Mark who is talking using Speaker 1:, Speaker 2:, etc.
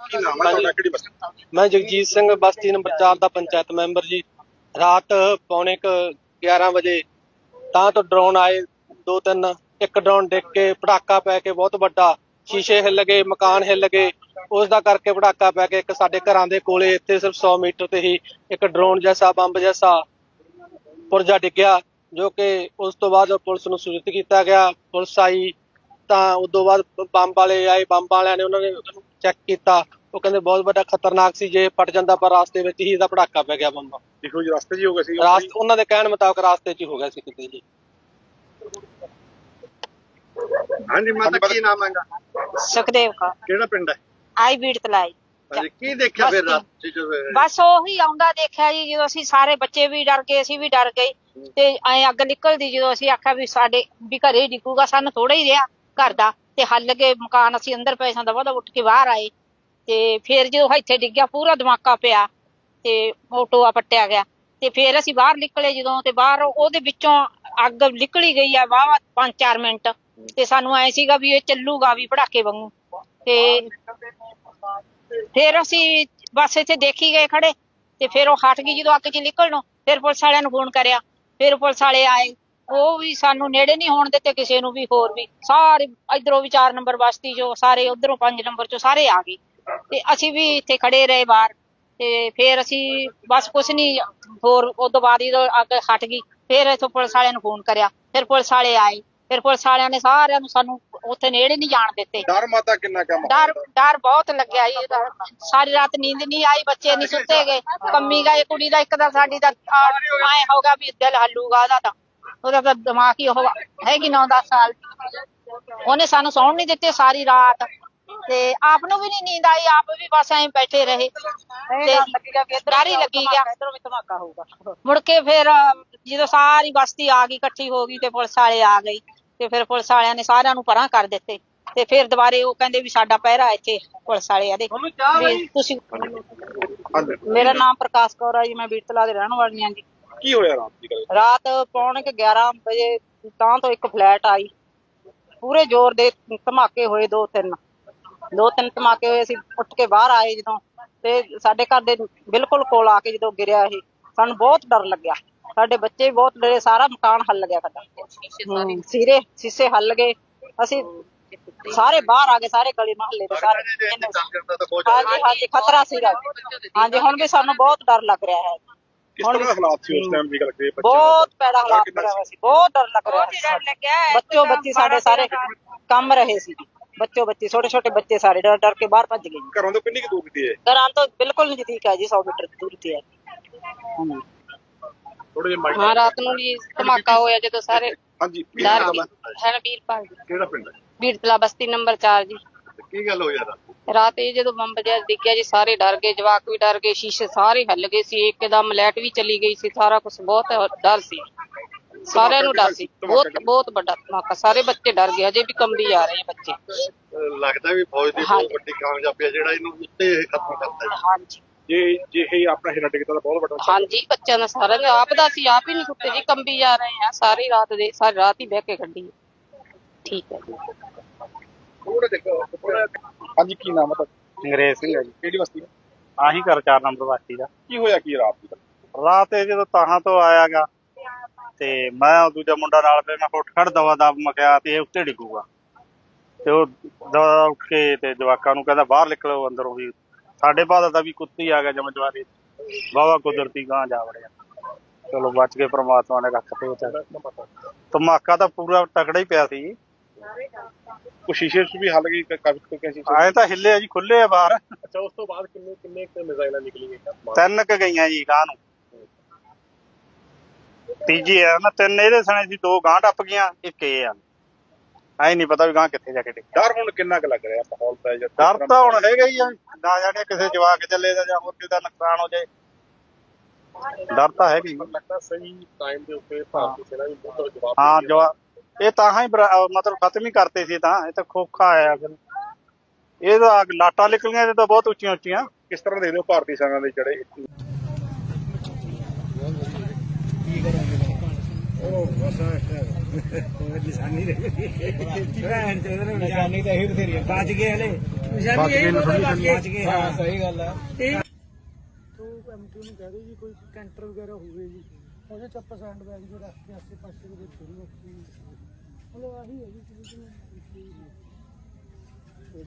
Speaker 1: ਕੀ ਨਾਮ ਹੈ ਤੁਹਾਡਾ, ਕਿਹੜੀ ਬਸਤੀ?
Speaker 2: मैं जगजीत सिंह बस्ती नंबर 4 का पंचायत मैंबर जी। रात पौने 11 ਵਜੇ ਤਾਂ ਤੋਂ ਡਰੋਨ ਆਏ 2-3। ਇੱਕ ਡਰੋਨ ਡਿੱਗ ਕੇ ਪਟਾਕਾ ਪੈ ਕੇ ਬਹੁਤ ਵੱਡਾ ਸ਼ੀਸ਼ੇ ਹਿੱਲ ਗਏ, ਮਕਾਨ ਹਿੱਲ ਗਏ। ਉਸ ਦਾ ਕਰਕੇ ਪਟਾਕਾ ਪੈ ਕੇ ਇੱਕ ਸਾਡੇ ਘਰਾਂ ਦੇ ਕੋਲੇ ਇੱਥੇ ਸਿਰਫ 100 ਮੀਟਰ ਤੇ ਹੀ ਇੱਕ ਡਰੋਨ ਜੈਸਾ ਬੰਬ ਜੈਸਾ ਪੁਰਜਾ ਡਿੱਗਿਆ, ਜੋ ਕਿ ਉਸ ਤੋਂ ਬਾਅਦ ਪੁਲਿਸ ਨੂੰ ਸੂਚਿਤ ਕੀਤਾ ਗਿਆ। ਪੁਲਿਸ ਆਈ ਤਾਂ ਉਸ ਤੋਂ ਬਾਅਦ ਬੰਬ ਵਾਲੇ ਆਏ, ਬੰਬ ਵਾਲਿਆਂ ਨੇ ਉਹਨਾਂ ਨੇ ਉਹਨੂੰ ਚੈੱਕ ਕੀਤਾ। ਉਹ ਕਹਿੰਦੇ ਬਹੁਤ ਵੱਡਾ ਖਤਰਨਾਕ ਸੀ, ਜੇ ਫਟ ਜਾਂਦਾ, ਪਰ ਰਾਸਤੇ ਵਿੱਚ ਹੀ ਇਹਦਾ ਪਟਾਕਾ ਪੈ ਗਿਆ ਬੰਬ।
Speaker 1: ਦੇਖੋ ਜੀ, ਰਸਤੇ 'ਚ ਹੀ ਹੋ ਗਿਆ ਸੀ।
Speaker 2: ਉਹਨਾਂ ਦੇ ਕਹਿਣ ਮੁਤਾਬਕ ਰਾਸਤੇ 'ਚ ਹੀ ਹੋ ਗਿਆ ਸੀ ਕਿਤੇ ਜੀ।
Speaker 1: ਹਾਂਜੀ ਮਾਤਾ, ਕੀ ਨਾਮ ਹੈਗਾ?
Speaker 3: ਸੁਖਦੇਵ ਕੌਰ।
Speaker 1: ਕਿਹੜਾ ਪਿੰਡ ਹੈ?
Speaker 3: ਆਈ ਬੀੜ ਤਲਾਈ।
Speaker 1: ਹਾਂਜੀ, ਕੀ ਦੇਖਿਆ ਫਿਰ ਰਾਤ 'ਚ ਜਦੋਂ?
Speaker 3: ਬਸ ਉਹੀ ਆਉਂਦਾ ਦੇਖਿਆ ਜੀ, ਜਦੋਂ ਅਸੀਂ ਸਾਰੇ ਬੱਚੇ ਵੀ ਡਰ ਗਏ, ਅਸੀਂ ਵੀ ਡਰ ਗਏ ਤੇ ਐ ਅੱਗ ਨਿਕਲਦੀ, ਜਦੋਂ ਅਸੀਂ ਆਖਿਆ ਵੀ ਸਾਡੇ ਵੀ ਘਰੇ ਡਿੱਗੂਗਾ, ਸਾਨੂੰ ਥੋੜਾ ਹੀ ਰਿਹਾ ਘਰ ਦਾ ਤੇ ਹੱਲ ਗਏ ਮਕਾਨ। ਅਸੀਂ ਅੰਦਰ ਪਏ ਸਾਂ, ਦਵਾ ਉੱਠ ਕੇ ਬਾਹਰ ਆਏ ਤੇ ਫੇਰ ਜਦੋਂ ਇੱਥੇ ਡਿੱਗਿਆ ਪੂਰਾ ਧਮਾਕਾ ਪਿਆ ਤੇ ਉਹ ਟੋਆ ਪੱਟਿਆ ਗਿਆ ਤੇ ਫੇਰ ਅਸੀਂ ਬਾਹਰ ਨਿਕਲੇ ਜਦੋਂ, ਤੇ ਬਾਹਰ ਉਹਦੇ ਵਿੱਚੋਂ ਅੱਗ ਨਿਕਲੀ ਗਈ ਆ ਵਾਹਵਾ 5-4 ਮਿੰਟ ਤੇ ਸਾਨੂੰ ਐ ਸੀਗਾ ਵੀ ਇਹ ਚੱਲੂਗਾ ਵੀ ਪਟਾਕੇ ਵਾਂਗੂ। ਤੇ ਫੇਰ ਅਸੀਂ ਬਸ ਇੱਥੇ ਦੇਖੀ ਗਏ ਖੜੇ ਤੇ ਫੇਰ ਉਹ ਹਟ ਗਈ ਜਦੋਂ ਅੱਗ ਚ ਨਿਕਲਣੋਂ। ਫਿਰ ਪੁਲਿਸ ਵਾਲਿਆਂ ਨੂੰ ਫੋਨ ਕਰਿਆ, ਫਿਰ ਪੁਲਿਸ ਵਾਲੇ ਆਏ, ਉਹ ਵੀ ਸਾਨੂੰ ਨੇੜੇ ਨਹੀਂ ਹੋਣ ਦਿੱਤੇ ਕਿਸੇ ਨੂੰ ਵੀ। ਹੋਰ ਵੀ ਸਾਰੇ ਇਧਰੋਂ ਵੀ 4 ਨੰਬਰ ਬਸਤੀ ਚੋਂ ਸਾਰੇ, ਉਧਰੋਂ 5 ਨੰਬਰ ਚੋਂ ਸਾਰੇ ਆ ਗਏ ਤੇ ਅਸੀਂ ਵੀ ਇੱਥੇ ਖੜੇ ਰਹੇ ਬਾਹਰ। ਤੇ ਫੇਰ ਅਸੀਂ ਬਸ ਕੁਛ ਨੀ ਹੋਰ, ਉਦੋਂ ਬਾਅਦ ਜਦੋਂ ਅੱਗ ਹਟ ਗਈ ਫੇਰ ਇੱਥੋਂ ਪੁਲਿਸ ਵਾਲਿਆਂ ਨੂੰ ਫੋਨ ਕਰਿਆ, ਫਿਰ ਪੁਲਿਸ ਵਾਲੇ ਆਏ, ਫਿਰ ਪੁਲਿਸ ਵਾਲਿਆਂ ਨੇ ਸਾਰਿਆਂ ਨੂੰ ਸਾਨੂੰ ਉੱਥੇ ਨੇੜੇ ਨਹੀਂ ਜਾਣ ਦਿੱਤੇ।
Speaker 1: ਡਰ ਮਾਤਾ ਕਿੰਨਾ ਕੰਮ?
Speaker 3: ਡਰ ਬਹੁਤ ਲੱਗਿਆ ਜੀ। ਸਾਰੀ ਰਾਤ ਨੀਂਦ ਨਹੀਂ ਆਈ, ਬੱਚੇ ਨਹੀਂ ਸੁੱਤੇ ਗਏ, ਕੰਮੀ ਗਏ। ਕੁੜੀ ਦਾ ਇੱਕ ਦਾ ਸਾਡੀ ਦਾ ਐ ਹੋ ਗਿਆ ਵੀ ਦਿਲ ਹੱਲੂਗਾ ਉਹਦਾ ਤਾਂ ਦਿਮਾਗ ਹੀ ਉਹ ਹੈਗੀ 9-10 ਸਾਲ। ਉਹਨੇ ਸਾਨੂੰ ਸੌਣ ਨਹੀਂ ਦਿੱਤੇ ਸਾਰੀ ਰਾਤ ਤੇ ਆਪ ਨੂੰ ਵੀ ਨੀ ਨੀਂਦ ਆਈ, ਆਪ ਵੀ ਬਸ ਐਂ ਬੈਠੇ ਰਹੇ ਤੇ ਡਰ ਹੀ ਲੱਗੀ ਗਿਆ ਧਮਾਕਾ ਹੋਊਗਾ। ਮੁੜ ਕੇ ਫਿਰ ਜਦੋਂ ਸਾਰੀ ਬਸਤੀ ਆ ਗਈ, ਇਕੱਠੀ ਹੋ ਗਈ ਤੇ ਪੁਲਿਸ ਵਾਲੇ ਆ ਗਈ ਤੇ ਫਿਰ ਪੁਲਿਸ ਵਾਲਿਆਂ ਨੇ ਸਾਰਿਆਂ ਨੂੰ ਪਰਾਂ ਕਰ ਦਿੱਤੇ ਤੇ ਫਿਰ ਦੁਬਾਰੇ ਉਹ ਕਹਿੰਦੇ ਵੀ ਸਾਡਾ ਪਹਿਰਾ ਇੱਥੇ ਪੁਲਿਸ ਵਾਲੇ ਆਦੇ ਵੀ ਤੁਸੀਂ। ਮੇਰਾ ਨਾਮ ਪ੍ਰਕਾਸ਼ ਕੌਰ ਆ ਜੀ, ਮੈਂ ਬੀੜਤਲਾ ਦੇ ਰਹਿਣ ਵਾਲੀ ਹਾਂ ਜੀ।
Speaker 1: ਕੀ ਹੋਇਆ ਰਾਤ ਦੀ ਗੱਲ?
Speaker 3: ਰਾਤ ਪੌਣੇ 11 ਵਜੇ ਤਾਂ ਤੋਂ ਇੱਕ ਫਲੈਟ ਆਈ, ਪੂਰੇ ਜ਼ੋਰ ਦੇ ਧਮਾਕੇ ਹੋਏ, 2-3 ਧਮਾਕੇ ਹੋਏ। ਅਸੀਂ ਉੱਠ ਕੇ ਬਾਹਰ ਆਏ ਜਦੋਂ ਤੇ ਸਾਡੇ ਘਰ ਦੇ ਬਿਲਕੁਲ ਕੋਲ ਆ ਕੇ ਜਦੋਂ ਗਿਰਿਆ ਇਹ, ਸਾਨੂੰ ਬਹੁਤ ਡਰ ਲੱਗਿਆ। ਸਾਡੇ ਬੱਚੇ ਵੀ ਬਹੁਤ ਡਰੇ, ਸਾਰਾ ਮਕਾਨ ਹੱਲ ਗਿਆ ਸਾਡਾ, ਸ਼ੀਸ਼ੇ ਹੱਲ ਗਏ। ਅਸੀਂ ਸਾਰੇ ਬਾਹਰ ਆ ਗਏ, ਸਾਰੇ ਗਲੀ ਮੁਹੱਲੇ ਦੇ ਸਾਰੇ। ਹਾਂਜੀ ਖਤਰਾ ਸੀਗਾ। ਹਾਂਜੀ ਹੁਣ ਵੀ ਸਾਨੂੰ ਬਹੁਤ ਡਰ ਲੱਗ ਰਿਹਾ ਹੈ।
Speaker 1: ਕਿਸ ਤਰ੍ਹਾਂ ਦੇ ਹਾਲਾਤ ਸੀ ਉਸ ਟਾਈਮ ਦੀ ਗੱਲ ਕਰੀਏ?
Speaker 3: ਬਹੁਤ ਭੈੜਾ ਹਾਲਾਤ ਬਣਾ ਹੋਇਆ ਸੀ, ਬਹੁਤ ਡਰ ਲੱਗ ਰਿਹਾ ਸੀ। ਬੱਚੋ ਬੱਚੀ ਸਾਡੇ ਸਾਰੇ ਕੰਮ ਰਹੇ ਸੀ, ਬੱਚੇ ਛੋਟੇ ਬੱਚੇ ਸਾਰੇ ਡਰ ਡਰ ਕੇ ਬਾਹਰ ਭੱਜ ਗਏ।
Speaker 1: ਘਰੋਂ ਤੋਂ ਕਿੰਨੀ ਕੁ ਦੂਰ ਦੀ ਹੈ?
Speaker 3: ਘਰਾਂ ਤੋਂ ਬਿਲਕੁਲ ਨਜ਼ਦੀਕ ਹੈ ਜੀ, 100 ਮੀਟਰ ਦੂਰ ਤੇ ਹੈ। ਹਾਂ ਰਾਤ ਨੂੰ ਵੀ ਧਮਾਕਾ ਹੋਇਆ ਜਦੋਂ ਸਾਰੇ।
Speaker 1: ਹਾਂਜੀ,
Speaker 3: ਹੈ ਵੀਰਪਾਲ ਜੀ।
Speaker 1: ਕਿਹੜਾ ਪਿੰਡ ਹੈ?
Speaker 3: ਬੀੜਤਲਾ ਬਸਤੀ ਨੰਬਰ 4 ਜੀ।
Speaker 1: ਕੀ ਗੱਲ ਹੋਈ
Speaker 3: ਰਾਤ ਇਹ ਜਦੋਂ ਬੰਬ ਜਿਹਾ ਡਿੱਗਿਆ ਜੀ, ਸਾਰੇ ਡਰ ਗਏ, ਜਵਾਕ ਵੀ ਡਰ ਗਏ, ਸ਼ੀਸ਼ੇ ਸਾਰੇ ਹਿੱਲ ਗਏ ਸੀ, ਇੱਕਦਮ ਲਾਈਟ ਵੀ ਚਲੀ ਗਈ ਸੀ, ਸਾਰਾ ਕੁਝ ਬਹੁਤ ਡਰ ਸੀ, ਸਾਰਿਆਂ ਨੂੰ ਡਰ ਸੀ। ਬਹੁਤ ਵੱਡਾ ਧਮਾਕਾ, ਸਾਰੇ ਬੱਚੇ ਡਰ ਗਏ, ਅਜੇ ਵੀ ਕੰਬੀ ਜਾ ਰਹੇ ਬੱਚੇ।
Speaker 1: ਲੱਗਦਾ ਵੀ ਫੌਜ ਦੀ ਬਹੁਤ ਵੱਡੀ ਕਾਮਯਾਬੀ ਹੈ ਜਿਹੜਾ ਇਹਨੂੰ ਉੱਤੇ ਖਤਮ ਕਰਤਾ।
Speaker 3: ਹਾਂਜੀ
Speaker 1: ਜੇ ਇਹ ਆਪਣਾ ਹਿੱਲਾ ਟਿਕਦਾ ਤਾਂ ਬਹੁਤ ਵੱਡਾ।
Speaker 3: ਹਾਂਜੀ ਬੱਚਿਆਂ ਦਾ ਸਾਰਾ ਆਪ ਦਾ ਸੀ, ਆਪ ਹੀ ਨਹੀਂ ਸੁੱਤੇ ਜੀ, ਕੰਬੀ ਜਾ ਰਹੇ ਆ ਸਾਰੀ ਰਾਤ ਹੀ ਬਹਿ ਕੇ ਕੱਢੀ। ਠੀਕ ਹੈ ਜੀ।
Speaker 1: ਹਾਂਜੀ, ਕੀ ਨਾਮ ਹੈ?
Speaker 4: ਅੰਗਰੇਜ਼ ਸਿੰਘ ਹੈ ਜੀ।
Speaker 1: ਕਿਹੜੀ ਬਸਤੀ?
Speaker 4: ਆਹੀ ਘਰ 4 ਨੰਬਰ ਬਸਤੀ ਦਾ।
Speaker 1: ਕੀ ਹੋਇਆ ਕੀ ਰਾਤ ਦੀ?
Speaker 4: ਰਾਤ ਇਹ ਜਦੋਂ ਤਾਹਾਂ ਤੋਂ ਆਇਆ ਗਾ ਤੇ ਮੈਂ ਦੂਜਾ ਮੁੰਡਾ ਨਾਲ ਪਏ, ਮੈਂ ਉੱਠ ਖੜ ਦਵਾ ਦਬ ਮਕਿਆ ਤੇ ਇਹ ਉੱਤੇ ਡਿੱਗੂਗਾ ਤੇ ਉਹ ਦਵਾ ਉੱਠ ਕੇ ਤੇ ਜਵਾਕਾਂ ਨੂੰ ਕਹਿੰਦਾ ਬਾਹਰ ਨਿਕਲੋ ਅੰਦਰੋਂ। ਵੀ ਸਾਡੇ ਬਾਦ ਦਾ ਵੀ ਕੁੱਤੀ ਆ ਗਿਆ ਜਮਜਵਾਰੀ, ਵਾਹਵਾ ਕੁਦਰਤੀ ਗਾਂ ਜਾ ਵੜਿਆ। ਚਲੋ ਬਚ ਕੇ ਪ੍ਰਮਾਤਮਾ ਨੇ ਰੱਖ ਤੇ। ਧਮਾਕਾ ਤਾਂ ਪੂਰਾ ਤਕੜਾ ਹੀ ਪਿਆ ਸੀ।
Speaker 1: ਕੁਛ ਸ਼ੀਸ਼ੇ ਵੀ ਹੱਲ ਗਈ?
Speaker 4: ਆਏ ਤਾਂ ਹਿੱਲੇ ਆ ਜੀ, ਖੁੱਲੇ ਆ ਬਾਹਰ।
Speaker 1: ਅੱਛਾ, ਉਸ ਤੋਂ ਬਾਅਦ ਕਿੰਨੇ ਮਿਜ਼ਾਈਲਾਂ ਨਿਕਲੀਆਂ?
Speaker 4: 3 ਕੁ ਗਈਆਂ ਜੀ ਗਾਂ ਨੂੰ, ਤੀਜੀ ਆ ਨਾ 3 ਇਹਦੇ ਸਣੇ ਸੀ, 2 ਗਾਂ ਟੱਪ ਗਈਆਂ, ਇੱਕ ਇਹ ਆ। ਐ ਨੀ ਪਤਾ ਵੀ ਗਾਂ ਕਿੱਥੇ ਜਾ ਕੇ ਡਿੱਗੀ।
Speaker 1: ਡਰ ਹੁਣ ਕਿੰਨਾ ਕੁ ਲੱਗ ਰਿਹਾ ਮਾਹੌਲ ਦਾ?
Speaker 4: ਡਰ ਤਾਂ ਹੁਣ ਹੈਗਾ ਹੀ ਆ, ਨਾ ਜਾਣੇ ਕਿਸੇ ਜਵਾਕ ਚੱਲੇ ਦਾ ਜਾਂ ਹੋਰ ਕਿਸੇ ਦਾ ਨੁਕਸਾਨ ਹੋ ਜਾਏ, ਡਰ ਤਾਂ ਹੈਗਾ ਹੀ।
Speaker 1: ਲੱਗਦਾ ਸਹੀ ਟਾਈਮ ਦੇ ਉੱਤੇ ਭਾਰਤੀ ਸੈਨਾ ਵੀ ਬਹੁਤ ਜਵਾਬ।
Speaker 4: ਹਾਂ ਜਵਾਬ ਇਹ ਤਾਂ ਹੀ ਮਤਲਬ ਖਤਮ ਹੀ ਕਰਤੇ ਸੀ, ਤਾਂ ਇਹ ਤਾਂ ਖੋਖਾ ਆਇਆ। ਫਿਰ ਇਹ ਤਾਂ ਲਾਟਾਂ ਨਿਕਲੀਆਂ ਇਹ ਤਾਂ ਬਹੁਤ ਉੱਚੀਆਂ।
Speaker 1: ਕਿਸ ਤਰ੍ਹਾਂ ਦੇਖਦੇ ਹੋ ਭਾਰਤੀ ਸੈਨਾ ਦੇ ਜਿਹੜੇ
Speaker 5: ਉਹ ਬਸ ਕੋਈ ਨਿਸ਼ਾਨੀ ਰਹੀ ਭੈਣ ਚੋਦ ਨੇ ਨਿਸ਼ਾਨੀ ਤਾਂ ਇਹ ਬਥੇਰੀ ਬਚ ਗਏ ਹਲੇ ਨਿਸ਼ਾਨੀ ਇਹ ਬਚ ਗਏ ਹਾਂ ਸਹੀ ਗੱਲ ਆ ਤੋ ਐਮਟੀ ਨੂੰ ਕਹਿ ਦਿਓ ਜੀ ਕੋਈ ਕੈਂਟਰ ਵਗੈਰਾ ਹੋਵੇ ਜੀ ਉਹਦੇ ਚ ਆਪਾਂ ਸੈਂਡ ਬੈਗ ਜੋ ਰੱਖ ਕੇ ਆਸੇ ਪਾਸੇ ਦੇ ਵਿੱਚ ਥੋੜੀ ਰੱਖੀ ਮਤਲਬ ਆਹੀ ਹੈ ਜੀ